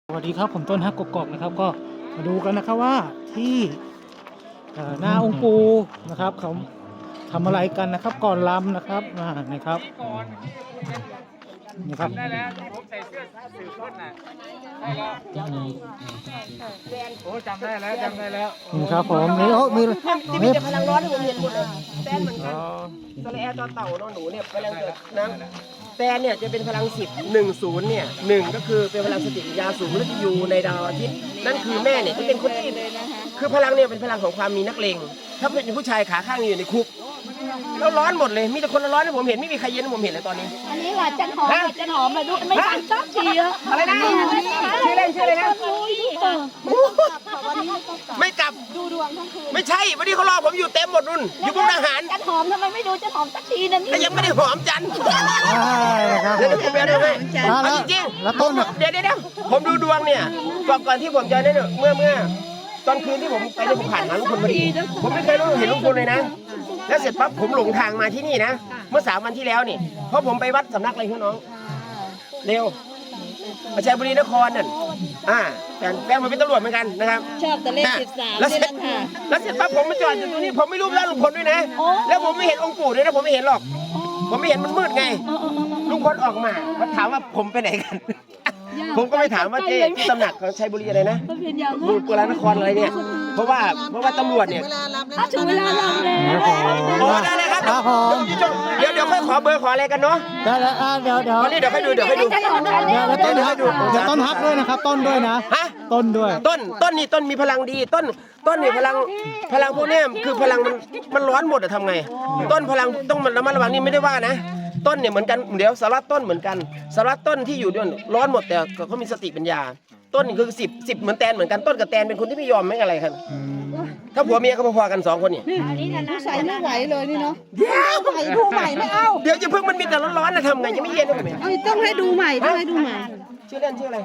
สวัสดีครับผมต้นฮักกกอกนะครับก็มาดูกันนะครับว่าที่หน้าองค์ปู่นะครับเขาทำอะไรกันนะครับก่อนรำนะครับนะครับนี่ครับได้แล้วที่ผมใส่เสื้อสืบต้นน่ะใช่แล้วโอ้จำได้แล้วนี่ครับผมนี่โอ้มีที่มีแต่พลังร้อนที่ผมเห็นหมดเลยแตนเหมือนกันตัวแอร์ตัวเต่าน้องหนูเนี่ยพลังเกิดนะแตนเนี่ยจะเป็นพลัง10 เนี่ย1ก็คือเป็นพลังสติปัญญาสูงและจะอยู่ในดาวอาทิตย์นั่นคือแม่เนี่ยจะเป็นคนที่คือพลังเนี่ยเป็นพลังของความมีนักเลงถ้าเป็นผู้ชายขาข้างอยู่ในคุกแล้วร้อนหมดเลยมีแต่คนร้อนที่ผมเห็นไม่มีใครเย็นที่ผมเห็นเลยตอนนี้อันนี้ว่าจันหอมมาดูไม่ทันสักทีอะอะไรนะชื่อเล่นชื่ออะไรนะไม่กลับดูดวงทั้งคืนไม่ใช่วันนี้เขารอผมอยู่เต็มหมดนุ่นอยู่พวกทหารจันหอมทำไมไม่ดูจันหอมสักทีนั่นแต่ยังไม่ได้หอมจันทร์นะครับเดี๋ยวผมไปดูให้แล้วจริงแล้วต้นเดี๋ยวผมดูดวงเนี่ยก่อนที่ผมจะได้เนี่ยเมื่อตอนคืนที่ผมไปได้ผมผ่านหาลุงพลพอดีผมไม่เคยเห็นลุงพลเลยนะแล้วเสร็จปั๊บผมหลงทางมาที่นี่นะเมื่อ3 วันที่แล้วนี่เพราะผมไปวัดสำนักอะไรพี่น้องเร็วประชัยบุรีนครนั่นแฟนผมเป็นตำรวจเหมือนกันนะครับชอบแต่เลข13 แล้วนี่เสร็จนั่นค่ะแล้วเสร็จปั๊บผมมาจอดอยู่ตรงนี้ผมไม่รู้แล้วลุงพลด้วยนะแล้วผมไม่เห็นองค์ปู่ด้วยนะผมไม่เห็นหรอกผมไม่เห็นมันมืดไงลุงพลออกมาถามว่าผมไปไหนกัน ผมก็ไปถามว่าเจ๊ที่ตำหนักของชัยบุรีอะไรนะบุรีนครอะไรเนี่ยเพราะว่าตำรวจเนี่ยถึงเวลาเราแล้วโอ้ได้เลยครับครับผมเดี๋ยวค่อยขอเบอร์ขออะไรกันเนาะได้แล้วเดี๋ยวตอนนี้เดี๋ยวค่อยดูเดี๋ยวต้นฮักด้วยนะครับต้นด้วยนะฮะต้นด้วยต้นนี่ต้นมีพลังดีต้นนี่พลังพวกเนี้ยคือพลังมันร้อนหมดอะทำไงต้นพลังต้องมันระมัดระวังนี่ไม่ได้ว่านะต้นเนี่ยเหมือนกันเดี๋ยวสารัตต้นเหมือนกันสารัตต้นที่อยู่ด้วยร้อนหมดแต่เขามีสติปัญญาต้นนี่คือ10เหมือนแตนเหมือนกันต้นกับแตนเป็นคนที่ไม่ยอมไม่อะไรครับถ้าผัวเมียก็พอๆกัน2 คนนี่ผู้ชายไม่ไหวเลยนี่เนาะเดี๋ยวดูใหม่ไม่เอาเดี๋ยวจะเพิ่งมันมีแต่ร้อนๆนะทำไงยังไม่เย็นเลยต้องให้ดูใหม่ต้องให้ดูใหม่ชื่อเล่นชื่ออะไร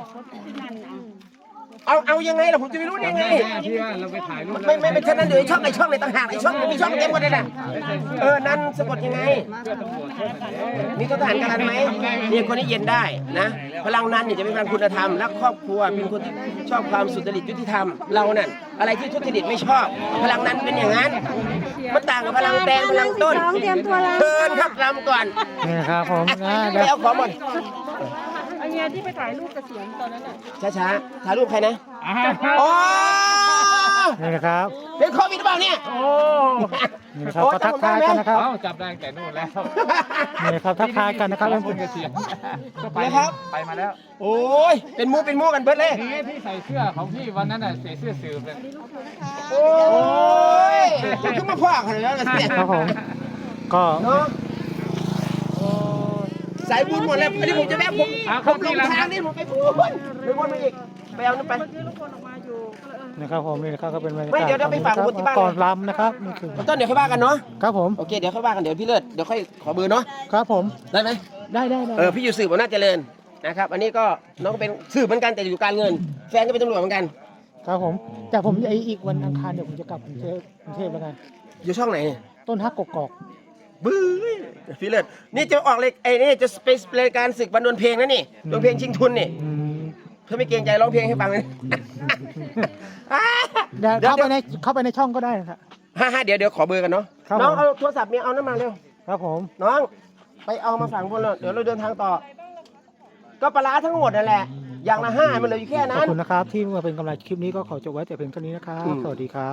เอายังไงล่ะผมจะไม่รู้ได้ไงที่ว่าเราไปถ่ายรูปไม่เป็นเช่นนั้นเดี๋ยวช่องในต่างหากช่องมีช่องเต็มหมดเลยนะนั่นสะกดยังไงมีทหารกันไหมเนี่ยคนนี้เย็นได้นะพลังนั้นเนี่ยจะเป็นพลังคุณธรรมรักครอบครัวเป็นคนที่ชอบความสุจริตยุติธรรมเราเนี่ยอะไรที่ทุจริตไม่ชอบพลังนั้นเป็นอย่างนั้นมันต่างกับพลังแดงพลังต้นเชิญครับรำก่อนนี่ครับผมนะไปเอาของหมดอันนี้ที่ไปถ่ายรูปเกษียณตอนนั้นอ่ะช้าๆถ่ายรูปใครนะโอ้นี่นะครับเป็นโควิดหรือเปล่าเนี่ยนี่นะครับก็ทักทายกันนะครับจับได้แต่นู่นแล้วนี่นะครับทักทายกันนะครับคนเกษียณก็ไปไปมาแล้วโอ้ยเป็นมูกันเบิดเลยนี่ที่ใส่เสื้อของพี่วันนั้นน่ะใส่เสื้อสืบเลยโอ้ยจะขึ้นมาพ่อขนาดนั้นเลยครับผมก็เนาะสายบุญหมดแล้วอันนี้ผมจะแม่ผมลงทางนี่ผมไปบุญมาอีกไปเอานั่นไปนะครับผมนี่นะครับก็เป็นบรรยากาศไม่เดี๋ยวไปฝากคนที่บ้านก่อนรำนะครับนี่คือต้นเดี๋ยวค่อยว่ากันเนาะครับผมโอเคเดี๋ยวค่อยว่ากันเดี๋ยวพี่เลิศเดี๋ยวค่อยขอเบอร์เนาะครับผมได้ไหมได้พี่อยู่สืบอำนาจเจริญนะครับอันนี้ก็น้องก็เป็นสืบเหมือนกันแต่อยู่การเงินแฟนก็เป็นตำรวจเหมือนกันครับผมแต่ผมอีกวันอังคารเดี๋ยวผมจะกลับกรุงเทพแล้วไงอยู่ช่องไหนเนี่ยต้นฮักกกอกบื้อพี่เลิศนี่จะออกเลยนี่จะเป็นรายการศึกบรรดาเพลงนะนี่ดวลเพลงชิงทุนนี่เพื่อไม่เกรงใจร้องเพลงให้ฟังเลยเดี๋ยวเข้าไปในช่องก็ได้นะครับเดี๋ยวขอเบอร์กันเนาะครับน้องผมเอาโทรศัพท์เมียเอาน้ำมาเร็วครับผมน้องไปเอามาฝั่งบนเลยเดี๋ยวเราเดินทางต่อ ก็ปลาร้าทั้งหมดนั่นแหละอย่างละ5มันเหลืออยู่แค่ขอนั้บนคุณนะครับที่มาเป็นกำลังคลิปนี้ก็ขอจบไว้แต่เพียงเท่านี้นะครับสวัสดีครับ